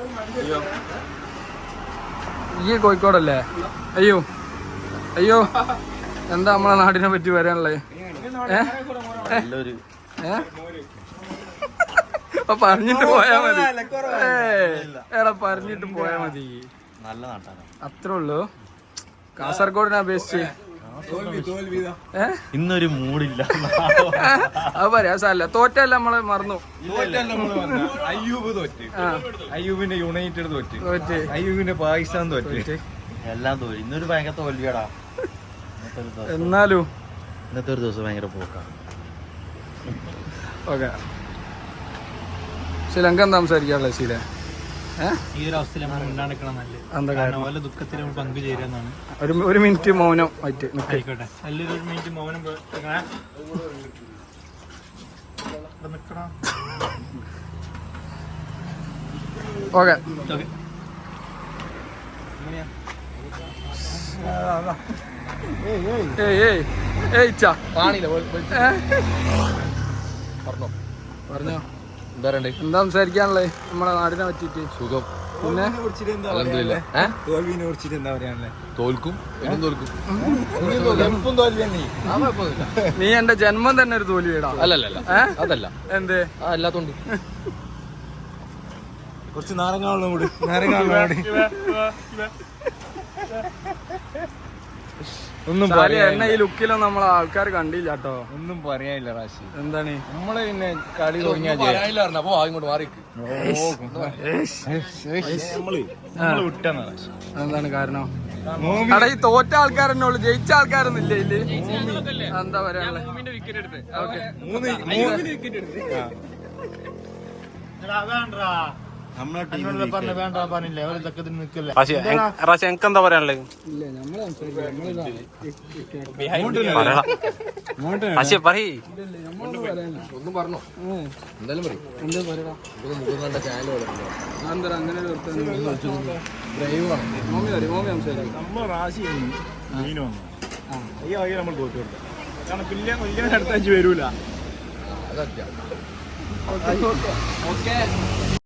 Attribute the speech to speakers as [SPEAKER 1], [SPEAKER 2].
[SPEAKER 1] ഈ കോഴിക്കോടല്ലേ? അയ്യോ അയ്യോ, എന്താ നമ്മളെ നാടിനെ പറ്റി വരാനുള്ളത്? പറഞ്ഞിട്ട് പോയാ മതി. എടാ പറഞ്ഞിട്ട് പോയാ മതി.
[SPEAKER 2] നല്ല നാട്ടാണ്.
[SPEAKER 1] അത്രേ ഉള്ളൂ. കാസർഗോഡിനെ അപേക്ഷിച്ച്
[SPEAKER 2] ഇന്നൊരു മൂടില്ല.
[SPEAKER 1] അത് പറയാ സാരല്ല. തോറ്റല്ല നമ്മള് മറന്നു.
[SPEAKER 3] അയ്യൂബ് തോറ്റ്, അയ്യൂബിന്റെ യുണൈറ്റഡ് തോറ്റ്, അയ്യൂബിന്റെ പാകിസ്ഥാൻ തോറ്റ്,
[SPEAKER 2] എല്ലാം തോൽവി. ഇന്നൊരു ഭയങ്കര തോൽവിയാടാ.
[SPEAKER 1] എന്നാലും
[SPEAKER 2] ഇന്നത്തെ ഒരു ദിവസം ഭയങ്കര പോക്കാണ്.
[SPEAKER 1] ഓക്കെ, ശ്രീലങ്ക എന്താ സംസാരിക്കാറുള്ളത്? ശീല
[SPEAKER 4] ഈ ഒരു അവസ്ഥയിൽ നമ്മൾ ഉണ്ടാക്കണം നല്ലത്. ഓല ദുഃഖത്തിൽ നമ്മൾ പങ്കുചേരുന്നതാണ്.
[SPEAKER 1] ഒരു മിനിറ്റ് മൗനം ആയിട്ട്
[SPEAKER 4] ആയിക്കോട്ടെ. നല്ലൊരു മിനിറ്റ് മൗനം നിക്കണം.
[SPEAKER 1] ഓക്കെ. പറഞ്ഞോ, എന്താ സംസാരിക്കാനുള്ളത് നമ്മളെ നാടിനെ പറ്റിട്ട്?
[SPEAKER 3] സുഖം.
[SPEAKER 1] പിന്നെ
[SPEAKER 3] തോൽവിനെ കുറിച്ചിട്ട് എന്താ പറയാനുള്ളത്?
[SPEAKER 2] തോൽക്കും, തോൽക്കും.
[SPEAKER 1] നീ എന്റെ ജന്മം തന്നെ ഒരു തോൽവിടാ.
[SPEAKER 2] അല്ലല്ല, അതല്ല.
[SPEAKER 1] എന്തേ?
[SPEAKER 2] അല്ലാത്തോണ്ട്
[SPEAKER 3] കുറച്ച് നാരങ്ങാവെള്ളം കൂടി, നാരങ്ങാവെള്ളം കൂടി. ഒന്നും
[SPEAKER 1] എന്നെ ഈ ലുക്കിലും നമ്മളെ ആൾക്കാർ കണ്ടില്ല കേട്ടോ.
[SPEAKER 3] ഒന്നും പറയാനില്ല റാശി.
[SPEAKER 1] എന്താണ്
[SPEAKER 3] നമ്മള് പിന്നെ കളി തുടങ്ങിയാ
[SPEAKER 2] അപ്പൊ ഇങ്ങോട്ട് മാറി.
[SPEAKER 1] എന്താണ് കാരണം? അവിടെ ഈ തോറ്റ ആൾക്കാരെന്നെ ഉള്ളു, ജയിച്ച ആൾക്കാരൊന്നും ഇല്ല ഇതില്. എന്താ പറയാനുള്ളത്?
[SPEAKER 4] വേണ്ട പറഞ്ഞില്ലേ നിൽക്കല്ലേ.
[SPEAKER 1] എന്താ പറയാനുള്ളത്? ഇല്ല, നമ്മള്
[SPEAKER 2] ഒന്നും പറഞ്ഞോ? എന്തായാലും പറയും.
[SPEAKER 1] എന്താ പറയാ? എന്താ അങ്ങനെ
[SPEAKER 3] നമ്മൾ റാശി മീൻ വന്നു ഈ വകയിൽ നമ്മൾ തോറ്റു കൊടുത്തു. കാരണം വലിയ അടുത്തഞ്ച് വരൂല.
[SPEAKER 2] അതൊക്കെ
[SPEAKER 1] ഓക്കെ.